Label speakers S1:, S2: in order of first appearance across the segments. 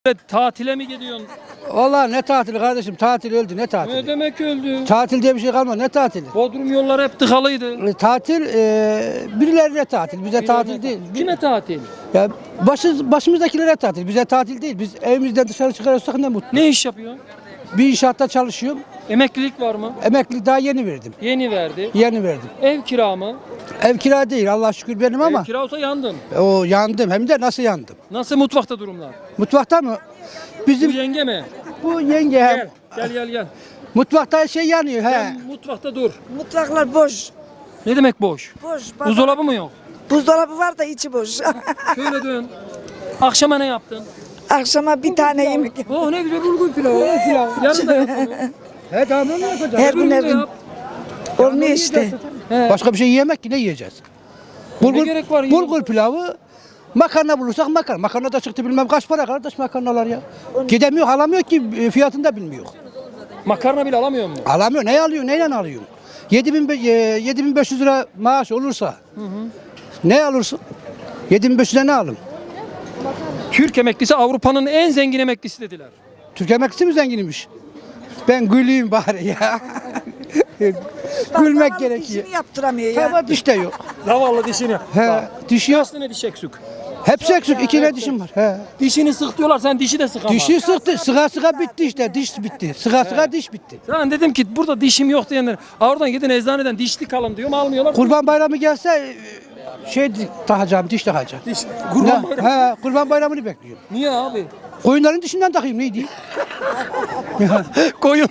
S1: Tatile mi gidiyorsun?
S2: Vallahi ne tatili kardeşim, tatil öldü, ne tatili?
S1: Ne demek öldü?
S2: Tatil diye bir şey kalmadı, ne tatili?
S1: Bodrum yolları hep tıkalıydı.
S2: Tatil birilerine tatil, bize tatil değil.
S1: Kime tatil?
S2: Ya başımızdakilere tatil, bize tatil değil. Biz evimizden dışarı çıkarırsak ne mutlu.
S1: Ne iş yapıyorsun?
S2: Bir inşaatta çalışıyorum,
S1: Emeklilik var mı?
S2: emeklilik daha yeni verdim.
S1: Yeni verdi.
S2: Yeni verdim.
S1: Ev kira mı?
S2: Ev kira değil, Allah şükür benim
S1: Ev
S2: ama
S1: kira olsa yandın.
S2: o yandım, hem de nasıl yandım?
S1: Nasıl mutfakta durumlar?
S2: Mutfakta mı?
S1: Bu
S2: Bizim
S1: yenge mi?
S2: bu yenge
S1: Gel. Gel.
S2: mutfakta şey yanıyor he.
S1: Sen mutfakta dur.
S3: Mutfaklar boş.
S1: Ne demek boş?
S3: Boş.
S1: Buzdolabı mı yok?
S3: Buzdolabı var da içi boş.
S1: Şöyle dön. Akşama ne yaptın?
S3: Akşama bir tane yemek.
S1: Oh ne güzel bulgur pilavı. Yarın da yap bunu.
S2: He tamam ne yapacağız?
S3: Her gün her
S1: Öbür
S3: gün.
S1: yap.
S3: Olmuyor işte.
S1: He.
S2: Başka bir şey yemek ki ne yiyeceğiz?
S1: gerek var
S2: Bulgur pilavı, makarna bulursak makarna. Makarna da çıktı bilmem kaç para kardeş makarnalar ya. Gidemiyor alamıyor ki fiyatını da bilmiyor.
S1: Makarna bile alamıyor mu?
S2: Alamıyor ne alıyor neyle alıyor? 7500 lira maaş olursa ne alırsın? 7500'e ne alın?
S1: Türk emeklisi Avrupa'nın en zengin emeklisi dediler.
S2: Türk emeklisi mi zenginmiş? Ben güleyim bari ya. Gülmek gerekiyor.
S3: İşini yaptıramıyor ya.
S2: Hava diş de yok.
S1: Zavallı dişini.
S2: He, diş yok.
S1: Kaç tane diş eksik?
S2: Hepsi eksik. İki ne dişim var. He.
S1: Dişini sık diyorlar, sen dişi de sık ama.
S2: Dişi sıktı. Sıga bitti işte. Diş bitti. Sıga diş bitti.
S1: Ben dedim ki burada dişim yok diyenler. Oradan gidin eczaneden dişlik alın diyorum, almıyorlar.
S2: Kurban bayramı gelse şey takacağım, diş takacağım.
S1: Diş. Kurban bayramı.
S2: He, kurban bayramını bekliyorum.
S1: Niye abi?
S2: Koyunların dişinden takayım neydi?
S1: Koyun.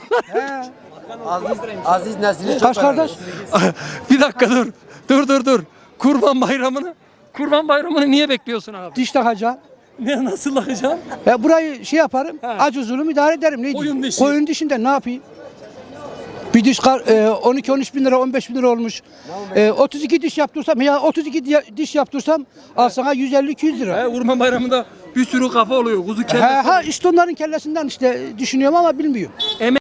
S4: Aziz Nesin'i çok
S2: Kaç kardeş?
S1: Bir dakika dur. Dur. Kurban bayramını niye bekliyorsun abi?
S2: Diş takacağım.
S1: Ne nasıl lakacaksın?
S2: Ya burayı şey yaparım.
S1: He.
S2: Acı zulüm idare ederim neydi?
S1: Koyun dişi.
S2: Koyun dişinden ne yapayım? Bir diş 12-13 bin lira 15 bin lira olmuş. 32 diş yaptırsam ya 32 diş yaptırsam al sana 150-200 lira.
S1: Kurban bayramında bir sürü kafa oluyor. Kuzu kellesi.
S2: Ha işte onların kellesinden işte düşünüyorum ama bilmiyorum.